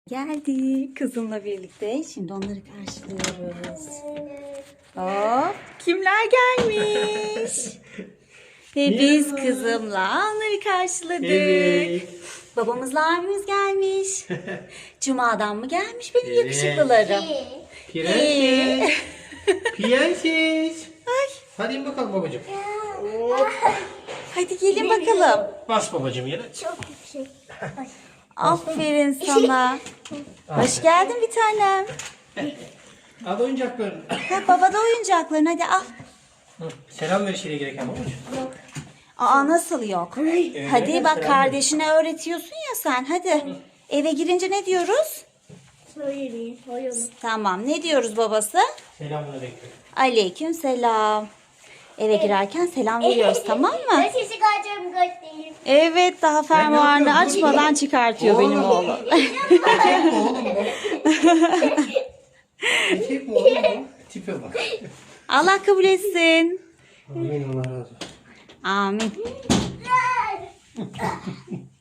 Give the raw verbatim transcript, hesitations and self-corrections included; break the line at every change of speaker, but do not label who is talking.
Geldi kızımla birlikte. Şimdi onları karşılıyoruz. Hop, kimler gelmiş? Ve biz kızımla onları karşıladık.
Evet.
Babamızla abimiz gelmiş. Cuma'dan mı gelmiş benim
Evet.
yakışıklılarım?
Prenses. Prenses. Hadi in bakalım babacığım.
Hadi gelin bakalım.
Bas babacığım yere.
Çok yüksek.
Aferin sana. Hoş geldin bir tanem.
Al oyuncaklarını.
Ha, baba da oyuncakların, hadi al.
Hı, Selam ver işine gereken babacığım.
Aa, nasıl yok? Hadi bak, kardeşine öğretiyorsun ya sen, hadi. Eve girince ne diyoruz?
Söyleyin. Oyunu.
Tamam, ne diyoruz babası?
Selamını bekliyorum.
Aleyküm selam. Eve girerken selam veriyoruz, tamam mı?
Ben sesi kaçırım göstereyim.
Evet, daha fermuarını
yapıyorum?
açmadan çıkartıyor benim oğlum.
Etek mi oğlum bu? Etek mi oğlum bu? Tipe bak.
Allah kabul etsin.
Amin, Allah razı olsun.
Amin.